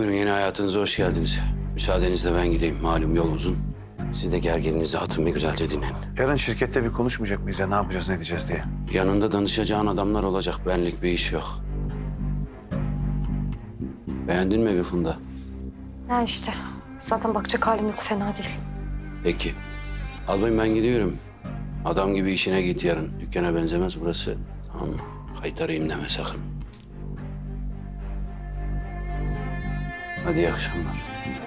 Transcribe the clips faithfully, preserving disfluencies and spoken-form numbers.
Buyurun, yeni hayatınıza hoş geldiniz. Müsaadenizle ben gideyim. Malum yol uzun. Siz de gerginliğinizi atın, bir güzelce dinlenin. Yarın şirkette bir konuşmayacak mıyız ya? Ne yapacağız, ne edeceğiz diye. Yanında danışacağın adamlar olacak. Benlik bir iş yok. Beğendin mi evi Funda? Ya işte. Zaten bakacak halim yok. Fena değil. Peki. Albayım, ben gidiyorum. Adam gibi işine git yarın. Dükkana benzemez burası. Tamam mı? Kaytarayım deme sakın. Hadi iyi akşamlar.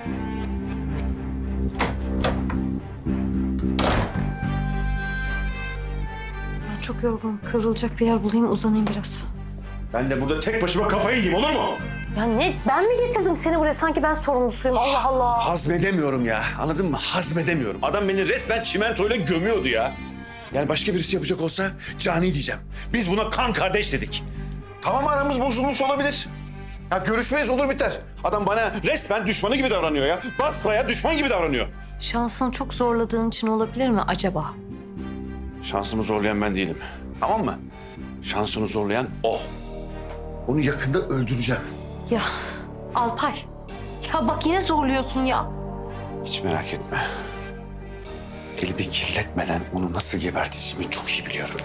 Ben çok yorgunum. Kıvrılacak bir yer bulayım, uzanayım biraz. Ben de burada tek başıma kafayı yiyeyim, olur mu? Ya ne? Ben mi getirdim seni buraya? Sanki ben sorumlusuyum. Allah Allah. Hazmedemiyorum ya. Anladın mı? Hazmedemiyorum. Adam beni resmen çimentoyla gömüyordu ya. Yani başka birisi yapacak olsa cani diyeceğim. Biz buna kan kardeş dedik. Tamam, aramız bozulmuş olabilir. Ya görüşmeyiz, olur biter. Adam bana resmen düşmanı gibi davranıyor ya. Basbaya düşman gibi davranıyor. Şansını çok zorladığın için olabilir mi acaba? Şansımı zorlayan ben değilim. Tamam mı? Şansını zorlayan o. Onu yakında öldüreceğim. Ya Alpay. Ya bak yine zorluyorsun ya. Hiç merak etme. Elimi kirletmeden onu nasıl geberteceğimi çok iyi biliyorum.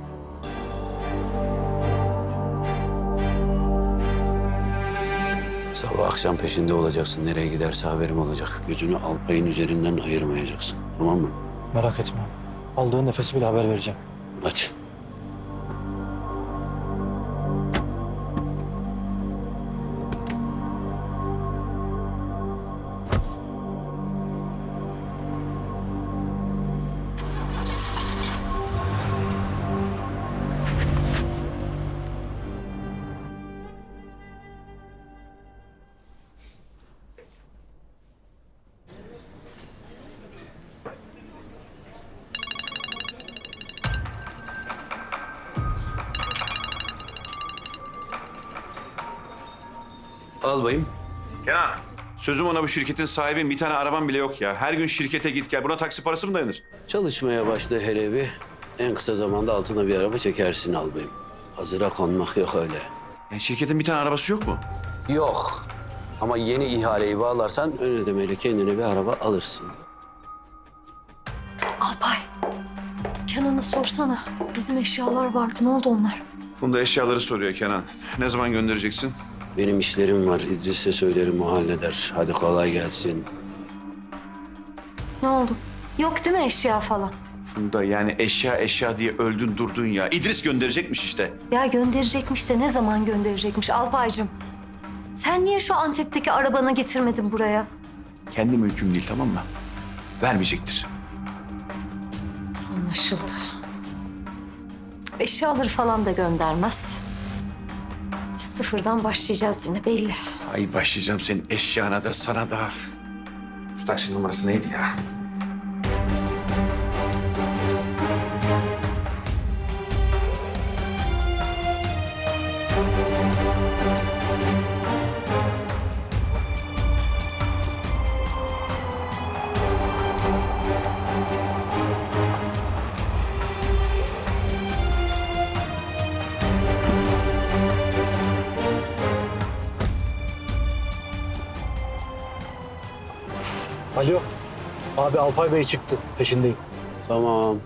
Sabah akşam peşinde olacaksın. Nereye giderse haberim olacak. Gözünü Alpay'ın üzerinden ayırmayacaksın. Tamam mı? Merak etme. Aldığın nefesi bile haber vereceğim. Aç. Albayım. Kenan. Sözüm ona, bu şirketin sahibi, bir tane araban bile yok ya. Her gün şirkete git gel. Buna taksi parası mı dayanır? Çalışmaya başla hele bir. En kısa zamanda altına bir araba çekersin albayım. Hazıra konmak yok öyle. Yani şirketin bir tane arabası yok mu? Yok. Ama yeni ihaleyi bağlarsan ön ödemeyle kendine bir araba alırsın. Alpay. Kenan'a sorsana. Bizim eşyalar vardı. Ne oldu onlar? Bunda eşyaları soruyor Kenan. Ne zaman göndereceksin? Benim işlerim var. İdris'e söylerim, o halleder. Hadi kolay gelsin. Ne oldu? Yok değil mi eşya falan? Funda, yani eşya eşya diye öldün durdun ya. İdris gönderecekmiş işte. Ya gönderecekmiş de ne zaman gönderecekmiş Alpaycığım? Sen niye şu Antep'teki arabanı getirmedin buraya? Kendi mülküm değil, tamam mı? Vermeyecektir. Anlaşıldı. Eşyaları falan da göndermez. Biz sıfırdan başlayacağız yine belli. Ay başlayacağım senin eşyana da sana da. Şu taksi numarası neydi ya? Alo. Abi Alpay Bey çıktı. Peşindeyim. Tamam.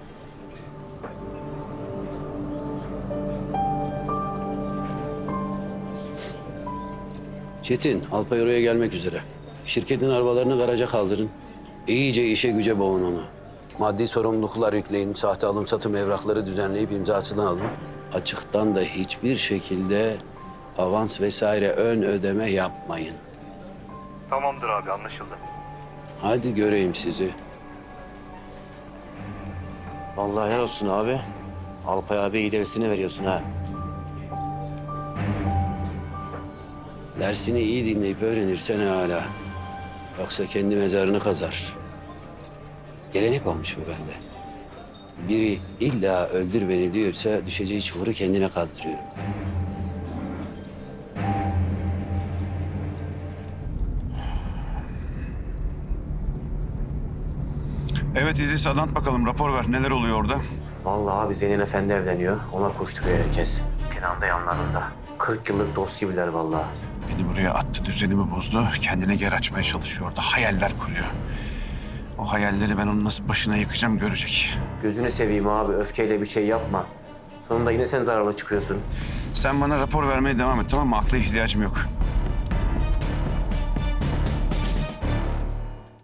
Çetin, Alpay oraya gelmek üzere. Şirketin arabalarını garaja kaldırın. İyice işe güce boğun onu. Maddi sorumluluklar yükleyin, sahte alım satım evrakları düzenleyip imzasını alın. Açıktan da hiçbir şekilde avans vesaire ön ödeme yapmayın. Tamamdır abi, anlaşıldı. Hadi göreyim sizi. Vallahi helal olsun abi. Alpay abi ilerisini veriyorsun ha. Dersini iyi dinleyip öğrenirsen hala. Yoksa kendi mezarını kazar. Gelenek olmuş bu bende. Biri illa öldür beni diyorsa düşeceği çukuru kendine kazdırıyorum. Evet İdris, anlat bakalım, rapor ver. Neler oluyor orada? Vallahi abi Zeynel Efendi evleniyor. Ona koşturuyor herkes. Kenan da yanlarında. kırk yıllık dost gibiler vallahi. Beni buraya attı, düzenimi bozdu. Kendine yer açmaya çalışıyor orada. Hayaller kuruyor. O hayalleri ben onun nasıl başına yıkacağım görecek. Gözünü seveyim abi, öfkeyle bir şey yapma. Sonunda yine sen zararlı çıkıyorsun. Sen bana rapor vermeye devam et, tamam mı? Akla ihtiyacım yok.